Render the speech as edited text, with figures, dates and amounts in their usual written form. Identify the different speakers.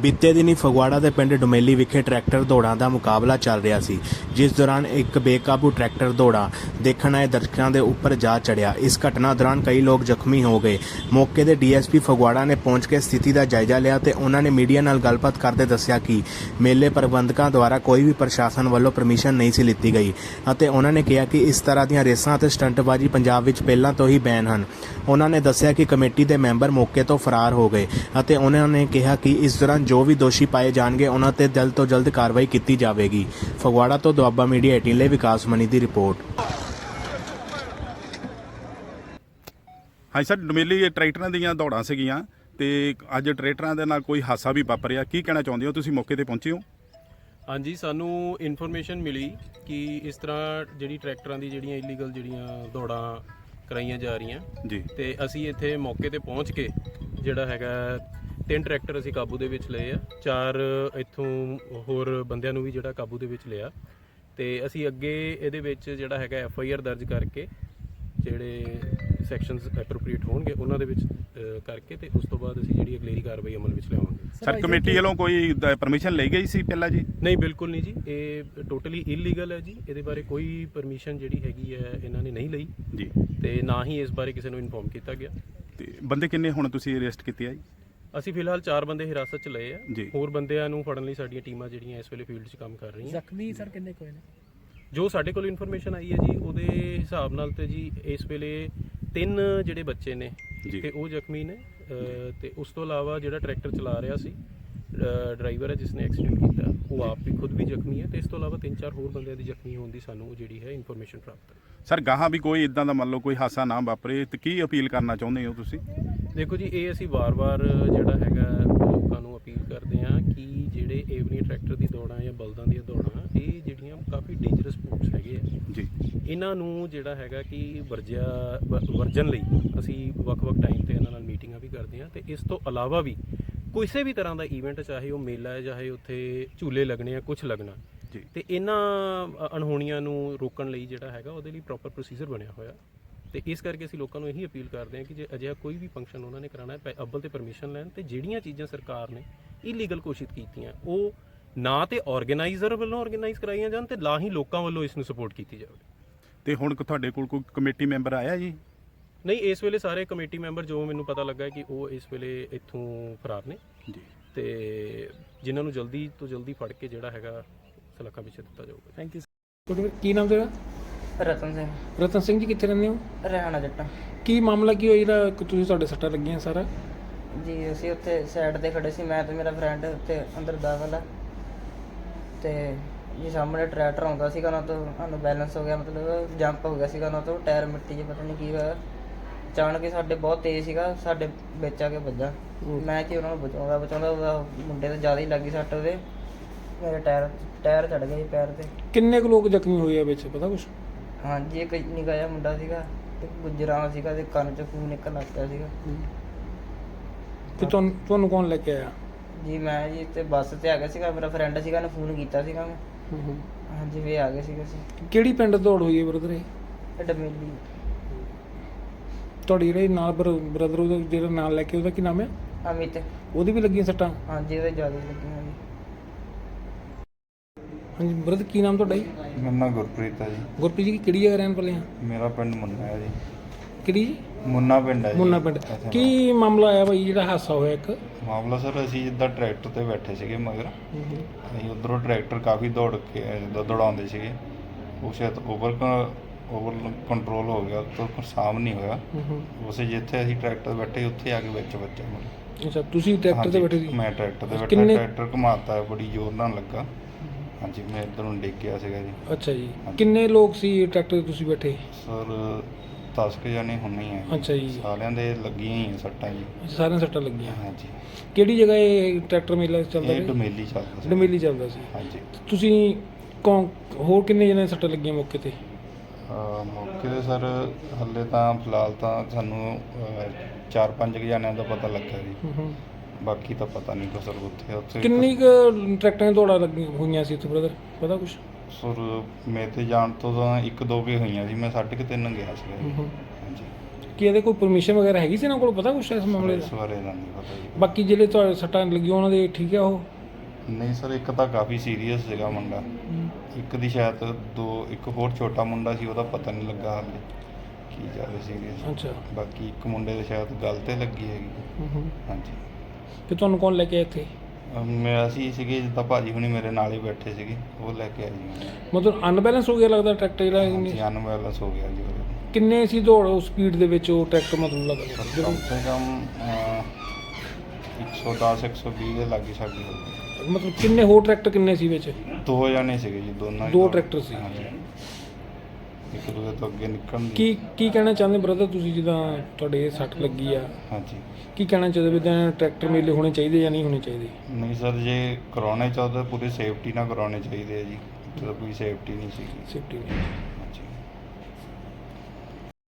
Speaker 1: ਬੀਤੇ ਦਿਨੀ ਫਗਵਾੜਾ ਦੇ ਪਿੰਡ ਡੁਮੇਲੀ ਵਿਖੇ ਟਰੈਕਟਰ ਦੌੜਾਂ ਦਾ ਮੁਕਾਬਲਾ ਚੱਲ ਰਿਹਾ ਸੀ, ਜਿਸ ਦੌਰਾਨ ਇੱਕ ਬੇਕਾਬੂ ਟਰੈਕਟਰ ਦੌੜਾਂ ਦੇਖਣ ਆਏ ਦਰਸ਼ਕਾਂ ਦੇ ਉੱਪਰ ਜਾ ਚੜਿਆ। ਇਸ ਘਟਨਾ ਦੌਰਾਨ ਕਈ ਲੋਕ ਜ਼ਖਮੀ ਹੋ ਗਏ। ਮੌਕੇ ਤੇ ਡੀਐਸਪੀ ਫਗਵਾੜਾ ਨੇ ਪਹੁੰਚ ਕੇ ਸਥਿਤੀ ਦਾ ਜਾਇਜ਼ਾ ਲਿਆ ਤੇ ਉਹਨਾਂ ਨੇ ਮੀਡੀਆ ਨਾਲ ਗੱਲਬਾਤ ਕਰਦੇ ਦੱਸਿਆ ਕਿ ਮੇਲੇ ਪ੍ਰਬੰਧਕਾਂ ਦੁਆਰਾ ਕੋਈ ਵੀ ਪ੍ਰਸ਼ਾਸਨ ਵੱਲੋਂ ਪਰਮਿਸ਼ਨ ਨਹੀਂ ਸੀ ਲਿੱਤੀ ਗਈ ਅਤੇ ਉਹਨਾਂ ਨੇ ਕਿਹਾ ਕਿ ਇਸ ਤਰ੍ਹਾਂ ਦੀਆਂ ਰੇਸਾਂ ਅਤੇ ਸਟੰਟਬਾਜ਼ੀ ਪੰਜਾਬ ਵਿੱਚ ਪਹਿਲਾਂ ਤੋਂ ਹੀ ਬੈਨ ਹਨ। ਉਹਨਾਂ ਨੇ ਦੱਸਿਆ ਕਿ ਕਮੇਟੀ ਦੇ ਮੈਂਬਰ ਮੌਕੇ ਤੋਂ ਫਰਾਰ ਹੋ ਗਏ ਅਤੇ ਉਹਨਾਂ ਨੇ ਕਿਹਾ ਕਿ ਇਸ ਦੌਰਾਨ ਜੋ ਵੀ ਦੋਸ਼ੀ ਪਾਏ ਜਾਣਗੇ ਉਹਨਾਂ ਤੇ ਜਲਦ ਤੋਂ ਜਲਦ ਕਾਰਵਾਈ ਕੀਤੀ ਜਾਵੇਗੀ। ਫਗਵਾੜਾ ਤੋਂ ਦੁਆਬਾ ਮੀਡੀਆ 18 ਲਈ ਵਿਕਾਸ ਮਣੀ ਦੀ ਰਿਪੋਰਟ।
Speaker 2: ਹਾਂਜੀ ਸਰ, ਡੁਮੇਲੀ ਟਰੈਕਟਰਾਂ ਦੀਆਂ ਦੌੜਾਂ ਸੀਗੀਆਂ ਤੇ ਅੱਜ ਟਰੈਕਟਰਾਂ ਦੇ ਨਾਲ ਕੋਈ ਹਾਦਸਾ ਵੀ ਵਾਪਰਿਆ, ਕੀ ਕਹਿਣਾ ਚਾਹੁੰਦੇ ਹੋ? ਤੁਸੀਂ ਮੌਕੇ ਤੇ ਪਹੁੰਚੇ ਹੋ?
Speaker 3: ਹਾਂਜੀ, ਸਾਨੂੰ ਇਨਫੋਰਮੇਸ਼ਨ ਮਿਲੀ ਕਿ ਇਸ ਤਰ੍ਹਾਂ ਜਿਹੜੀ ਟਰੈਕਟਰਾਂ ਦੀ ਜਿਹੜੀਆਂ ਇਲੀਗਲ ਜਿਹੜੀਆਂ ਦੌੜਾਂ ਕਰਾਈਆਂ ਜਾ ਰਹੀਆਂ
Speaker 2: ਜੀ,
Speaker 3: ਤੇ ਅਸੀਂ ਇੱਥੇ ਮੌਕੇ ਤੇ ਪਹੁੰਚ ਕੇ ਜਿਹੜਾ ਹੈਗਾ 3 ਟਰੈਕਟਰ ਅਸੀਂ ਕਾਬੂ ਦੇ ਵਿੱਚ ਲਏ ਆ, 4 ਇੱਥੋਂ ਹੋਰ ਬੰਦਿਆਂ ਨੂੰ ਵੀ ਜਿਹੜਾ ਕਾਬੂ ਦੇ ਵਿੱਚ ਲਿਆ ਤੇ ਅਸੀਂ ਅੱਗੇ ਇਹਦੇ ਵਿੱਚ ਜਿਹੜਾ ਹੈਗਾ FIR ਦਰਜ ਕਰਕੇ ਜਿਹੜੇ ਸੈਕਸ਼ਨਸ ਐਪਰੋਪਰੀਏਟ ਹੋਣਗੇ ਉਹਨਾਂ ਦੇ ਵਿੱਚ ਕਰਕੇ ਤੇ ਉਸ ਤੋਂ ਬਾਅਦ ਅਸੀਂ ਜਿਹੜੀ ਅਗਲੇਰੀ ਕਾਰਵਾਈ ਅਮਲ ਵਿੱਚ ਲਿਆਵਾਂਗੇ।
Speaker 2: ਸਰ ਕਮੇਟੀ ਵੱਲੋਂ ਕੋਈ ਪਰਮਿਸ਼ਨ ਲਈ ਗਈ ਸੀ ਪਹਿਲਾਂ ਜੀ?
Speaker 3: ਨਹੀਂ, ਬਿਲਕੁਲ ਨਹੀਂ ਜੀ, ਇਹ ਟੋਟਲੀ ਇਲੀਗਲ ਹੈ ਜੀ। ਇਹਦੇ ਬਾਰੇ ਕੋਈ ਪਰਮਿਸ਼ਨ ਜਿਹੜੀ ਹੈਗੀ ਹੈ ਇਹਨਾਂ ਨੇ ਨਹੀਂ ਲਈ
Speaker 2: ਜੀ
Speaker 3: ਤੇ ਨਾ ਹੀ ਇਸ ਬਾਰੇ ਕਿਸੇ ਨੂੰ ਇਨਫੋਰਮ ਕੀਤਾ ਗਿਆ।
Speaker 2: ਤੇ ਬੰਦੇ ਕਿੰਨੇ ਹੁਣ ਤੁਸੀਂ ਅਰੈਸਟ ਕੀਤੇ ਆ ਜੀ?
Speaker 3: ਅਸੀਂ ਫਿਲਹਾਲ 4 ਬੰਦੇ ਹਿਰਾਸਤ 'ਚ ਲਏ ਆ।
Speaker 2: ਜੀ।
Speaker 3: ਹੋਰ ਬੰਦਿਆਂ ਨੂੰ ਫੜਨ ਲਈ ਸਾਡੀਆਂ ਟੀਮਾਂ ਜਿਹੜੀਆਂ ਇਸ ਵੇਲੇ ਫੀਲਡ 'ਚ ਕੰਮ ਕਰ ਰਹੀਆਂ।
Speaker 4: ਜ਼ਖਮੀ ਸਰ ਕਿੰਨੇ ਕੋਈ ਨੇ?
Speaker 3: ਜੋ ਸਾਡੇ ਕੋਲ ਇਨਫੋਰਮੇਸ਼ਨ ਆਈ ਹੈ ਜੀ ਉਹਦੇ ਹਿਸਾਬ ਨਾਲ ਤੇ ਜੀ ਇਸ ਵੇਲੇ 3 ਜਿਹੜੇ ਬੱਚੇ ਨੇ
Speaker 2: ਜੀ।
Speaker 3: ਤੇ ਉਹ ਜ਼ਖਮੀ ਨੇ ਤੇ ਉਸ ਤੋਂ ਇਲਾਵਾ ਜਿਹੜਾ ਟਰੈਕਟਰ ਚਲਾ ਰਿਹਾ ਸੀ ਡਰਾਈਵਰ ਹੈ ਜਿਸਨੇ ਐਕਸੀਡੈਂਟ ਕੀਤਾ, ਉਹ ਆਪ ਵੀ ਖੁਦ ਵੀ ਜ਼ਖਮੀ ਹੈ ਤੇ ਇਸ ਤੋਂ ਇਲਾਵਾ 3-4 ਹੋਰ ਬੰਦਿਆਂ ਦੀ ਜ਼ਖਮੀ ਹੋਣ ਦੀ ਸਾਨੂੰ ਜਿਹੜੀ ਹੈ ਇਨਫੋਰਮੇਸ਼ਨ ਪ੍ਰਾਪਤ ਹੈ।
Speaker 2: ਸਰ ਗਾਹਾਂ ਵੀ ਕੋਈ ਇਦਾਂ ਦਾ ਮੰਨ ਲਓ ਕੋਈ ਹਾਦਸਾ ਨਾ ਵਾਪਰੇ ਤੇ ਕੀ ਅਪੀਲ ਕਰਨਾ ਚਾਹੁੰਦੇ ਹੋ ਤੁਸੀਂ?
Speaker 3: ਦੇਖੋ ਜੀ, ਇਹ ਅਸੀਂ ਵਾਰ-ਵਾਰ ਜਿਹੜਾ ਹੈਗਾ ਲੋਕਾਂ ਨੂੰ ਅਪੀਲ ਕਰਦੇ ਹਾਂ ਕਿ ਜਿਹੜੇ ਏਵਨੀ ਟਰੈਕਟਰ ਦੀ ਦੌੜਾਂ ਜਾਂ ਬਲਦਾਂ ਦੀਆਂ ਦੌੜਾਂ ਇਹ ਜਿਹੜੀਆਂ ਕਾਫੀ ਡੇਂਜਰਸ ਸਪੋਰਟਸ ਹੈਗੇ ਆ
Speaker 2: ਜੀ,
Speaker 3: ਇਹਨਾਂ ਨੂੰ ਜਿਹੜਾ ਹੈਗਾ ਕਿ ਵਰਜਨ ਲਈ ਅਸੀਂ ਵੱਖ-ਵੱਖ ਟਾਈਮ ਤੇ ਇਹਨਾਂ ਨਾਲ ਮੀਟਿੰਗਾਂ ਵੀ ਕਰਦੇ ਹਾਂ ਤੇ ਇਸ ਤੋਂ ਇਲਾਵਾ ਵੀ ਕਿਸੇ ਵੀ ਤਰ੍ਹਾਂ ਦਾ ਈਵੈਂਟ, ਚਾਹੇ ਉਹ ਮੇਲਾ ਹੈ, ਚਾਹੇ ਉੱਥੇ ਝੂਲੇ ਲੱਗਣੇ ਆ, ਕੁਝ ਲੱਗਣਾ
Speaker 2: ਜੀ,
Speaker 3: ਤੇ ਇਹਨਾਂ ਅਣਹੋਣੀਆਂ ਨੂੰ ਰੋਕਣ ਲਈ ਜਿਹੜਾ ਹੈਗਾ ਉਹਦੇ ਲਈ ਪ੍ਰੋਪਰ ਪ੍ਰੋਸੀਜਰ ਬਣਿਆ ਹੋਇਆ ਤੇ ਇਸ ਕਰਕੇ ਅਸੀਂ ਲੋਕਾਂ ਨੂੰ ਇਹੀ ਅਪੀਲ ਕਰਦੇ ਹਾਂ ਕਿ ਜੇ ਅਜਿਹਾ ਕੋਈ ਵੀ ਫੰਕਸ਼ਨ ਉਹਨਾਂ ਨੇ ਕਰਾਉਣਾ ਹੈ ਅੱਵਲ ਤੇ ਪਰਮਿਸ਼ਨ ਲੈਣ ਤੇ ਜਿਹੜੀਆਂ ਚੀਜ਼ਾਂ ਸਰਕਾਰ ਨੇ ਇਲੀਗਲ ਘੋਸ਼ਿਤ ਕੀਤੀਆਂ ਉਹ ਨਾ ਤੇ ਆਰਗੇਨਾਈਜ਼ਰ ਵੱਲੋਂ ਆਰਗੇਨਾਈਜ਼ ਕਰਾਈਆਂ ਜਾਣ ਤੇ ਨਾ ਹੀ ਲੋਕਾਂ ਵੱਲੋਂ ਇਸ ਨੂੰ ਸਪੋਰਟ ਕੀਤੀ ਜਾਵੇ।
Speaker 2: ਤੇ ਹੁਣ ਤੁਹਾਡੇ ਕੋਲ ਕੋਈ ਕਮੇਟੀ ਮੈਂਬਰ ਆਇਆ ਜੀ?
Speaker 3: ਨਹੀਂ, ਇਸ ਵੇਲੇ ਸਾਰੇ ਕਮੇਟੀ ਮੈਂਬਰ ਜੋ ਮੈਨੂੰ ਪਤਾ ਲੱਗਾ ਕਿ ਉਹ ਇਸ ਵੇਲੇ ਇੱਥੋਂ ਫਰਾਰ ਨੇ
Speaker 2: ਜੀ,
Speaker 3: ਤੇ ਜਿਨ੍ਹਾਂ ਨੂੰ ਜਲਦੀ ਤੋਂ ਜਲਦੀ ਫੜ ਕੇ ਜਿਹੜਾ ਹੈਗਾ ਸਲਾਖਾਂ ਵਿੱਚ ਦਿੱਤਾ ਜਾਊਗਾ।
Speaker 4: Thank you. ਕੀ ਨਾਮ ਤੇਰਾ?
Speaker 5: ਰਤਨ ਸਿੰਘ।
Speaker 4: ਰਤਨ ਸਿੰਘ ਜੀ, ਕਿੱਥੇ ਰਹਿੰਦੇ ਹੋ?
Speaker 5: ਰਹਿਣਾ ਜੱਟਾਂ
Speaker 4: ਕੀ ਮਾਮਲਾ ਕੀ ਹੋਇਆ ਜਿਹੜਾ ਤੁਸੀਂ ਤੁਹਾਡੇ ਸੱਟਾਂ ਲੱਗੀਆਂ ਸਾਰਾ?
Speaker 5: ਜੀ ਅਸੀਂ ਉੱਥੇ ਸਾਈਡ ਤੇ ਖੜੇ ਸੀ, ਮੈਂ ਤੇ ਮੇਰਾ ਫਰੈਂਡ ਉੱਤੇ ਅੰਦਰ ਦਾਖਲ ਆ ਤੇ ਜੀ ਸਾਹਮਣੇ ਟਰੈਕਟਰ ਆਉਂਦਾ ਸੀਗਾ, ਉਹਨਾਂ ਤੋਂ ਸਾਨੂੰ ਬੈਲੈਂਸ ਹੋ ਗਿਆ, ਮਤਲਬ ਜੰਪ ਹੋ ਗਿਆ ਸੀਗਾ ਉਹਨਾਂ ਤੋਂ, ਟਾਇਰ ਮਿੱਟੀ 'ਚ ਪਤਾ ਨਹੀਂ ਕੀ ਹੋਇਆ, ਅਚਾਨਕ ਹੀ ਸਾਡੇ ਬਹੁਤ ਤੇਜ਼ ਸੀਗਾ, ਸਾਡੇ ਵਿੱਚ ਆ ਕੇ ਵੱਜਾ। ਮੈਂ ਕਿ ਉਹਨਾਂ ਨੂੰ ਬਚਾਉਂਦਾ ਉਹਦਾ ਮੁੰਡੇ ਤੇ ਜ਼ਿਆਦਾ ਹੀ ਲੱਗੀ ਸੱਟ, ਉਹਦੇ ਮੇਰੇ ਟਾਇਰ ਚੜ ਗਿਆ ਜੀ ਪੈਰ ਤੇ।
Speaker 4: ਕਿੰਨੇ ਕੁ ਲੋਕ ਜ਼ਖਮੀ ਹੋਏ ਆ ਵਿੱਚ, ਪਤਾ ਕੁਛ?
Speaker 5: ਹਾਂਜੀ, ਇੱਕ ਨਿੱਕਾ ਜਿਹਾ ਮੁੰਡਾ ਸੀਗਾ ਤੇ ਗੁਜਰਾਂ ਸੀਗਾ ਤੇ ਕੰਨ 'ਚ ਖੂਨ ਨਿਕਲ ਲੱਗ ਪਿਆ ਸੀਗਾ।
Speaker 4: ਤੇ ਤੁਹਾਨੂੰ ਕੌਣ ਲੈ ਕੇ ਆਇਆ?
Speaker 5: ਜੀ ਮੈਂ ਜੀ ਤੇ ਬੱਸ ਤੇ ਆ ਗਿਆ ਸੀਗਾ, ਮੇਰਾ ਫਰੈਂਡ ਸੀਗਾ, ਉਹਨੇ ਫੋਨ ਕੀਤਾ ਸੀਗਾ ਮੈਂ। ਹਾਂਜੀ, ਵੀ ਆ ਗਏ ਸੀਗੇ ਅਸੀਂ।
Speaker 4: ਕਿਹੜੀ ਪਿੰਡ ਦੌੜ ਹੋਈ ਹੈ ਬ੍ਰਦਰ?
Speaker 5: ਇਹ ਡਮੇਲੀ।
Speaker 4: ਤੁਹਾਡੀ ਜਿਹੜੇ ਨਾਲ ਬ੍ਰਦਰ ਉਹਦਾ ਜਿਹੜਾ ਨਾਲ ਲੈ ਕੇ ਉਹਦਾ ਕੀ ਨਾਮ ਹੈ?
Speaker 5: ਅਮਿਤ।
Speaker 4: ਉਹਦੀ ਵੀ ਲੱਗੀਆਂ ਸੱਟਾਂ?
Speaker 5: ਹਾਂਜੀ, ਉਹਦੇ ਜ਼ਿਆਦਾ ਲੱਗੀਆਂ ਜੀ।
Speaker 4: ਹਾਂਜੀ ਬ੍ਰਦਰ, ਕੀ ਨਾਮ ਤੁਹਾਡਾ ਜੀ?
Speaker 6: ਮੇਰਾ ਨਾਂ ਗੁਰਪ੍ਰੀਤ ਹੈ ਜੀ।
Speaker 4: ਗੁਰਪ੍ਰੀਤ ਜੀ, ਕਿਹੜੀ ਜਗ੍ਹਾ ਰਹਿਣ ਵਾਲੇ ਆ?
Speaker 6: ਮੇਰਾ ਪਿੰਡ ਮੁੰਨਾ ਹੈ ਜੀ।
Speaker 4: ਕਿਹੜੀ ਜੀ?
Speaker 6: ਮੁੰਨਾ ਪਿੰਡ ਹੈ ਜੀ।
Speaker 4: ਮੁੰਨਾ ਪਿੰਡ।
Speaker 6: ਇੱਥੇ
Speaker 4: ਕੀ ਮਾਮਲਾ ਆਇਆ ਭਾਈ ਜਿਹੜਾ ਹਾਦਸਾ ਹੋਇਆ ਇੱਕ?
Speaker 6: ਮਾਮਲਾ ਸਰ, ਅਸੀਂ ਜਿੱਦਾਂ ਟਰੈਕਟਰ ਤੇ ਬੈਠੇ ਸੀਗੇ ਮਗਰ, ਅਸੀਂ ਉੱਧਰੋਂ ਟਰੈਕਟਰ ਕਾਫੀ ਦੌੜ ਕੇ ਜਿੱਦਾਂ ਦੌੜਾਉਂਦੇ ਸੀਗੇ, ਉਹ ਸ਼ਾਇਦ ਓਵਰ ਕੰਟਰੋਲ ਹੋ ਗਿਆ, ਤੋਂ ਸਾਮ ਨਹੀਂ ਹੋਇਆ। ਉਸੇ ਜਿੱਥੇ ਅਸੀਂ ਟਰੈਕਟਰ ਤੇ ਬੈਠੇ ਉੱਥੇ ਆ ਕੇ ਵਿੱਚ ਵੱਜਾ ਮੇਰੇ।
Speaker 4: ਅੱਛਾ, ਤੁਸੀਂ ਟਰੈਕਟਰ ਤੇ ਬੈਠੇ ਸੀ?
Speaker 6: ਮੈਂ ਟਰੈਕਟਰ ਤੇ ਬੈਠਾ, ਟਰੈਕਟਰ ਘੁਮਾਤਾ ਬੜੀ ਜ਼ੋਰ ਨਾਲ ਲੱਗਾ। ਹਾਂਜੀ, ਮੈਂ ਇੱਧਰ ਨੂੰ ਡਿੱਗ ਗਿਆ ਸੀਗਾ ਜੀ।
Speaker 4: ਅੱਛਾ ਜੀ, ਕਿੰਨੇ ਲੋਕ ਸੀ ਟਰੈਕਟਰ ਤੇ ਤੁਸੀਂ ਬੈਠੇ?
Speaker 6: ਸਰ 10 ਕੁ ਜਾਣੇ ਹੁੰਨੇ ਆ।
Speaker 4: ਅੱਛਾ ਜੀ।
Speaker 6: ਸਾਰਿਆਂ ਦੇ ਲੱਗੀਆਂ ਹੀ ਆ ਸੱਟਾਂ ਜੀ।
Speaker 4: ਸਾਰਿਆਂ ਸੱਟਾਂ ਲੱਗੀਆਂ?
Speaker 6: ਹਾਂਜੀ।
Speaker 4: ਕਿਹੜੀ ਜਗ੍ਹਾ ਇਹ ਟਰੈਕਟਰ ਮੇਲਾ ਚੱਲਦਾ
Speaker 6: ਇਹ
Speaker 4: ਸੀ?
Speaker 6: ਡੁਮੇਲੀ ਚੱਲਦਾ ਸੀ।
Speaker 4: ਡੁਮੇਲੀ ਚੱਲਦਾ ਸੀ।
Speaker 6: ਹਾਂਜੀ।
Speaker 4: ਤੁਸੀਂ ਹੋਰ ਕਿੰਨੇ ਜਣੇ ਸੱਟਾਂ ਲੱਗੀਆਂ ਮੌਕੇ ਤੇ?
Speaker 6: ਮੌਕੇ 'ਤੇ ਸਰ ਹਾਲੇ ਤਾਂ ਫਿਲਹਾਲ ਤਾਂ ਸਾਨੂੰ 4-5 ਜਣਿਆਂ ਦਾ ਪਤਾ ਲੱਗਾ ਜੀ, ਬਾਕੀ ਤਾਂ ਪਤਾ ਨਹੀਂ ਕੋ ਸਰ। ਉੱਥੇ
Speaker 4: ਕਿੰਨੀ ਕੁ ਟਰੈਕਟਰਾਂ ਦੀਆਂ ਦੌੜਾਂ ਲੱਗੀਆਂ ਹੋਈਆਂ ਸੀ ਉੱਥੇ ਬ੍ਰਦਰ, ਪਤਾ ਕੁਛ?
Speaker 6: ਸਰ ਮੇਰੇ ਤੇ ਜਾਣ ਤੋਂ ਤਾਂ 1-2 ਕੇ ਹੋਈਆਂ ਸੀ, ਮੈਂ 3.5 ਗਿਆ ਸੀਗਾ ਜੀ। ਹਾਂਜੀ।
Speaker 4: ਕੀ ਇਹਦੇ ਕੋਈ ਪਰਮਿਸ਼ਨ ਵਗੈਰਾ ਹੈਗੀ ਸੀ ਇਹਨਾਂ ਕੋਲ, ਪਤਾ ਕੁਛ ਇਸ ਮਾਮਲੇ
Speaker 6: ਇਸ
Speaker 4: ਦਾ?
Speaker 6: ਬਾਰੇ ਦਾ ਨਹੀਂ ਪਤਾ ਜੀ।
Speaker 4: ਬਾਕੀ ਜਿਹੜੇ ਤੁਹਾਡੇ ਸੱਟਾਂ ਲੱਗੀਆਂ ਉਹਨਾਂ ਦੇ ਠੀਕ ਆ ਉਹ?
Speaker 6: ਨਹੀਂ ਸਰ, ਇੱਕ ਤਾਂ ਕਾਫੀ ਸੀਰੀਅਸ ਸੀਗਾ ਮੁੰਡਾ, ਇੱਕ ਦੀ ਸ਼ਾਇਦ ਇੱਕ ਹੋਰ ਛੋਟਾ ਮੁੰਡਾ ਸੀ, ਉਹਦਾ ਪਤਾ ਨਹੀਂ ਲੱਗਾ ਹਾਲੇ ਕੀ ਜ਼ਿਆਦਾ ਸੀਰੀਅਸ।
Speaker 4: ਅੱਛਾ।
Speaker 6: ਬਾਕੀ ਇੱਕ ਮੁੰਡੇ ਦੇ ਸ਼ਾਇਦ ਗਲ ਤੇ ਲੱਗੀ ਹੈਗੀ। ਹਾਂਜੀ।
Speaker 4: ਤੇ ਤੁਹਾਨੂੰ ਕੌਣ ਲੈ ਕੇ ਆਇਆ ਇੱਥੇ?
Speaker 6: ਅਸੀਂ ਸੀਗੇ ਜਿੱਦਾਂ ਭਾਜੀ ਹੁਣੀ ਮੇਰੇ ਨਾਲ ਹੀ ਬੈਠੇ ਸੀਗੇ, ਉਹ ਲੈ ਕੇ ਆਏ ਜੀ।
Speaker 4: ਮਤਲਬ ਅਨਬੈਲੈਂਸ ਹੋ ਗਿਆ ਲੱਗਦਾ ਟਰੈਕਟਰ ਜਿਹੜਾ?
Speaker 6: ਹਾਂਜੀ, ਅਨਬੈਲੈਂਸ ਹੋ ਗਿਆ ਜੀ ਉਹਦੇ।
Speaker 4: ਕਿੰਨੇ ਸੀ ਦੌੜ ਉਸ ਸਪੀਡ ਦੇ ਵਿੱਚ ਉਹ ਟਰੈਕਟਰ, ਮਤਲਬ ਲੱਗਦਾ
Speaker 6: ਕਮ ਸੇ ਕਮ 110 120 ਦੇ ਲਾਗੇ ਸਾਡੀ ਹੋ ਗਈ।
Speaker 4: ਮਤਲਬ ਕਿੰਨੇ ਹੋਰ ਟਰੈਕਟਰ ਕਿੰਨੇ ਸੀ ਵਿੱਚ?
Speaker 6: 2 ਜਣੇ ਸੀਗੇ ਜੀ, ਦੋਨਾਂ ਹੀ
Speaker 4: ਦੋ
Speaker 6: ਦੌੜ-
Speaker 4: ਟਰੈਕਟਰ ਸੀ।
Speaker 6: ਹਾਂਜੀ। ਇੱਕ ਦੂਜੇ ਤੋਂ ਅੱਗੇ ਨਿਕਲਣ ਦੀ।
Speaker 4: ਕੀ ਕਹਿਣਾ ਚਾਹੁੰਦੇ ਬ੍ਰਦਰ ਤੁਸੀਂ, ਜਿੱਦਾਂ ਤੁਹਾਡੇ ਇਹ ਸੱਟ ਲੱਗੀ ਆ,
Speaker 6: ਹਾਂਜੀ।
Speaker 4: ਕੀ ਕਹਿਣਾ ਚਾਹੁੰਦੇ ਵੀ ਇਦਾਂ ਟਰੈਕਟਰ ਮੇਲੇ ਹੋਣੇ ਚਾਹੀਦੇ ਜਾਂ ਨਹੀਂ ਹੋਣੇ ਚਾਹੀਦੇ?
Speaker 6: ਨਹੀਂ ਸਰ, ਜੇ ਕਰਾਉਣੇ ਚਾਹੁੰਦੇ ਪੂਰੀ ਸੇਫਟੀ ਨਾਲ ਕਰਾਉਣੇ ਚਾਹੀਦੇ ਆ ਜੀ। ਇੱਥੇ ਤਾਂ ਕੋਈ ਸੇਫਟੀ ਨਹੀਂ ਸੀਗੀ।
Speaker 4: ਸੇਫਟੀ